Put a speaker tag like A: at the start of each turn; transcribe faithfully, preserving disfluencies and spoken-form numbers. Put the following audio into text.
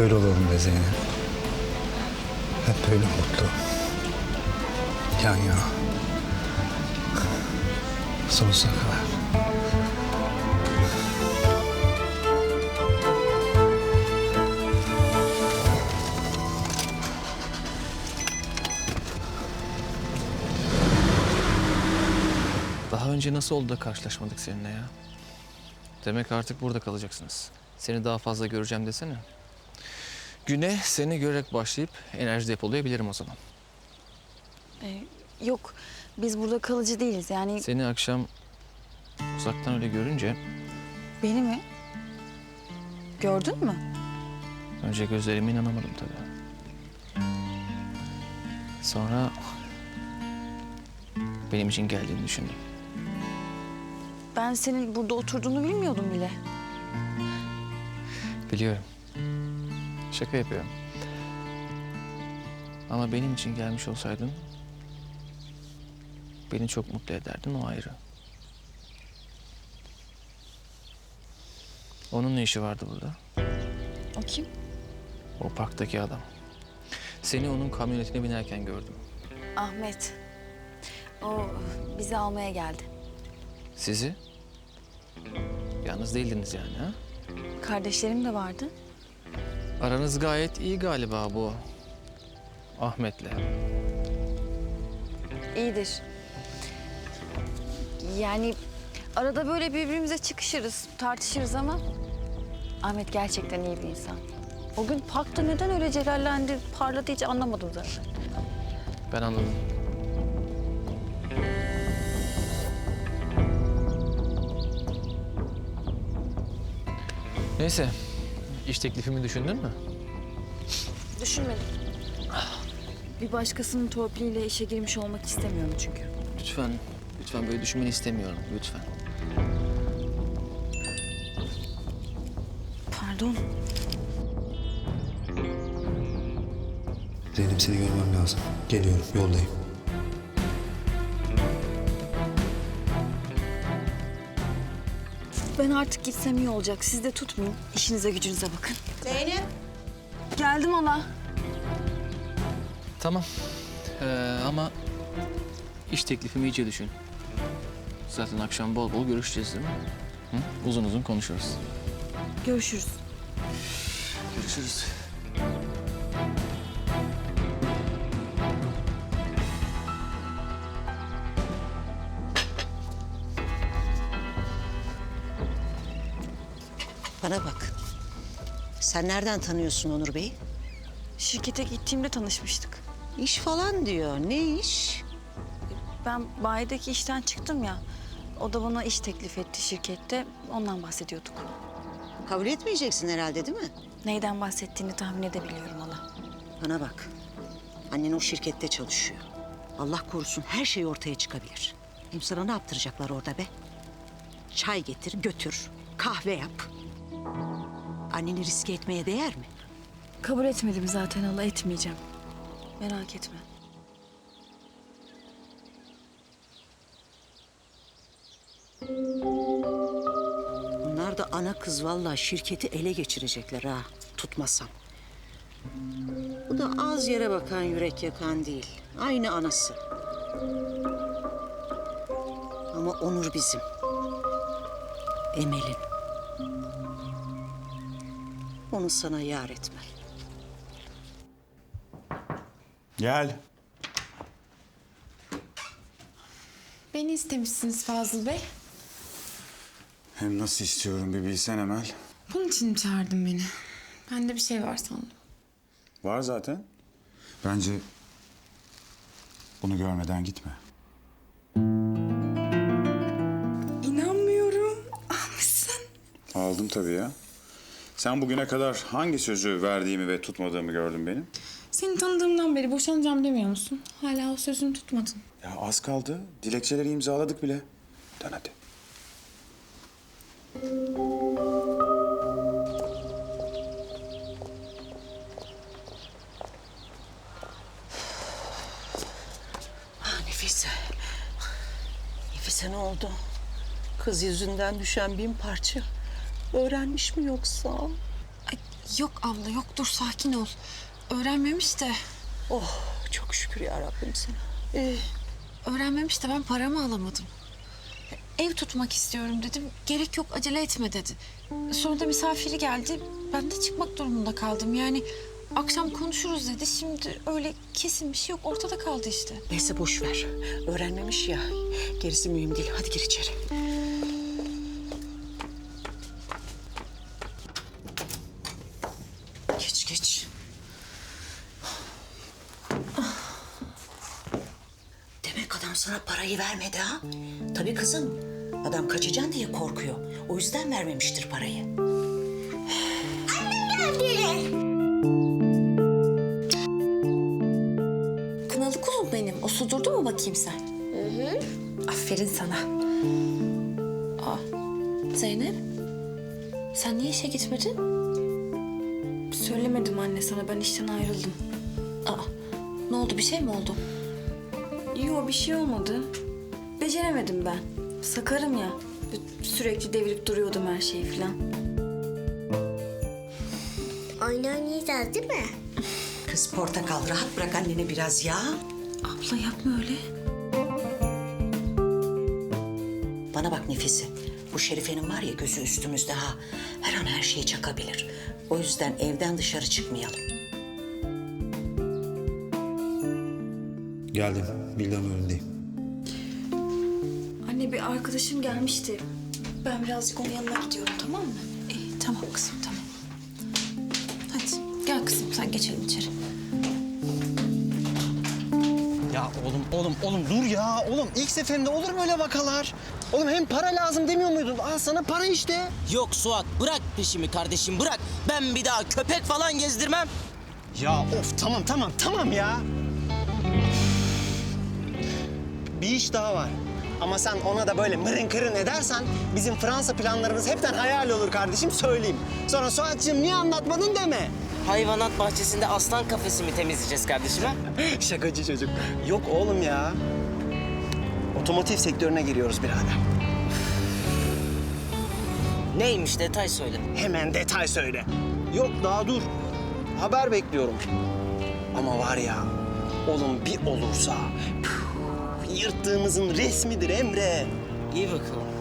A: böyle olalım be Zeynep. Hep böyle mutlu. Yan yana. Sonsuza kadar.
B: Daha önce nasıl oldu da karşılaşmadık seninle ya? Demek artık burada kalacaksınız. Seni daha fazla göreceğim desene. Güne seni görerek başlayıp enerji depolayabilirim o zaman.
C: Ee, yok, biz burada kalıcı değiliz. Yani
B: Seni akşam uzaktan öyle görünce
C: beni mi? Gördün mü?
B: önce gözlerime inanamadım tabii. Sonra benim için geldiğini düşündüm.
C: Ben senin burada oturduğunu bilmiyordum bile.
B: Biliyorum. Şaka yapıyorum. Ama benim için gelmiş olsaydın beni çok mutlu ederdin, o ayrı. Onun ne işi vardı burada?
C: O kim?
B: O parktaki adam. Seni onun kamyonetine binerken gördüm.
C: Ahmet. O bizi almaya geldi.
B: Sizi? Yalnız değildiniz yani ha?
C: Kardeşlerim de vardı.
B: Aranız gayet iyi galiba bu Ahmet'le.
C: İyidir. Yani arada böyle birbirimize çıkışırız, tartışırız ama Ahmet gerçekten iyi bir insan. O gün parkta neden öyle celallendi, parladı hiç anlamadım zaten.
B: Ben anladım. Neyse, iş teklifimi düşündün mü?
C: Düşünmedim. Bir başkasının torpiliyle işe girmiş olmak istemiyorum çünkü.
B: Lütfen, lütfen böyle düşünmeni istemiyorum, lütfen.
C: Pardon.
A: Zeynep, seni görmem lazım. Geliyorum, yoldayım.
C: Ben artık gitsem iyi olacak. Siz de tutmayın. İşinize gücünüze bakın.
D: Zeynep.
C: Geldim hala.
B: Tamam, ee, ama iş teklifimi iyice düşün. Zaten akşam bol bol görüşeceğiz değil mi? Hı? Uzun uzun konuşuruz.
C: Görüşürüz.
B: Görüşürüz.
D: Bana bak. Sen nereden tanıyorsun Onur Bey'i?
C: Şirkete gittiğimde tanışmıştık.
D: İş falan diyor. Ne iş?
C: Ben bayideki işten çıktım ya. O da bana iş teklif etti şirkette. Ondan bahsediyorduk.
D: Kabul etmeyeceksin herhalde değil mi?
C: Neyden bahsettiğini tahmin edebiliyorum hala.
D: Bana bak. Annen o şirkette çalışıyor. Allah korusun her şey ortaya çıkabilir. Hem sana ne yaptıracaklar orada be? Çay getir, götür. Kahve yap. Anneni riske etmeye değer mi?
C: Kabul etmedim zaten hala, etmeyeceğim. Merak etme.
D: Bunlar da ana kız vallahi şirketi ele geçirecekler ha. Tutmasam. Bu da az yere bakan yürek yakan değil. Aynı anası. Ama Onur bizim. Emel'in. Onu sana yar etmem.
E: Gel.
F: Beni istemişsiniz Fazıl Bey.
E: Hem nasıl istiyorum bir bilsen Emel.
F: Bunun için mi çağırdın beni? Bende bir şey var sandım.
E: Var zaten. Bence bunu görmeden gitme.
F: İnanmıyorum. Almışsın.
E: Aldım tabii ya. Sen bugüne kadar hangi sözü verdiğimi ve tutmadığımı gördün benim?
F: Seni tanıdığımdan beri boşanacağım demiyor musun? Hala o sözünü tutmadın.
E: Ya az kaldı. Dilekçeleri imzaladık bile. Dön hadi.
D: Ah Nefise. Nefise ne oldu? Kız yüzünden düşen bin parça. Öğrenmiş mi yoksa?
F: Ay,
G: Yok abla yok, dur sakin ol. Öğrenmemiş de
D: Oh çok şükür ya Rabbim sana. Ee,
G: öğrenmemiş de ben paramı alamadım. Ev tutmak istiyorum dedim. Gerek yok, acele etme dedi. Sonra da misafiri geldi. Ben de çıkmak durumunda kaldım. Yani akşam konuşuruz dedi. Şimdi öyle kesin bir şey yok. Ortada kaldı işte.
D: neyse boş ver. Öğrenmemiş ya. Gerisi mühim değil. Hadi gir içeri. Geç geç. Demek adam sana parayı vermedi ha? Tabii kızım. Adam kaçacaksın diye korkuyor. O yüzden vermemiştir parayı.
G: Kınalı kuzum benim. O su durdu mu bakayım sen? Hı hı. Aferin sana. Aa, Zeynep. Sen niye işe gitmedin?
F: Söylemedim anne sana, ben işten ayrıldım.
G: Aa, ne oldu? Bir şey mi oldu?
F: Yok, bir şey olmadı. Beceremedim ben. Sakarım ya. Sürekli devirip duruyordum her şeyi falan.
H: Oyun oynayacağız değil mi?
D: Kız portakal rahat bırak annene biraz ya.
G: Abla yapma öyle.
D: Bana bak Nefise. Bu Şerife'nin var ya gözü üstümüzde ha. Her an her şeyi çakabilir. O yüzden evden dışarı çıkmayalım.
A: Geldim. Villanın önündeyim.
F: Anne bir arkadaşım gelmişti. Ben birazcık onun yanına gidiyorum, tamam mı?
G: İyi, tamam kızım, tamam. Hadi gel kızım, sen geçelim içeri.
I: Ya oğlum, oğlum, oğlum dur ya. Oğlum ilk seferinde olur böyle vakalar. Oğlum hem para lazım demiyor muydun? Al sana para işte.
J: Yok Suat, bırak peşimi kardeşim, bırak. Ben bir daha köpek falan gezdirmem.
I: Ya of tamam tamam tamam ya. Bir iş daha var. Ama sen ona da böyle mırın kırın edersen bizim Fransa planlarımız hepten hayal olur kardeşim söyleyeyim. Sonra Suat'cığım niye anlatmadın deme.
J: Hayvanat bahçesinde aslan kafesi mi temizleyeceğiz kardeşim ha?
I: Şakacı çocuk. Yok oğlum ya. Otomotiv sektörüne giriyoruz birader.
J: Neymiş, detay söyle.
I: Hemen detay söyle. Yok daha dur. Haber bekliyorum. Ama var ya, oğlum bir olursa püh, yırttığımızın resmidir Emre.
J: İyi bakalım.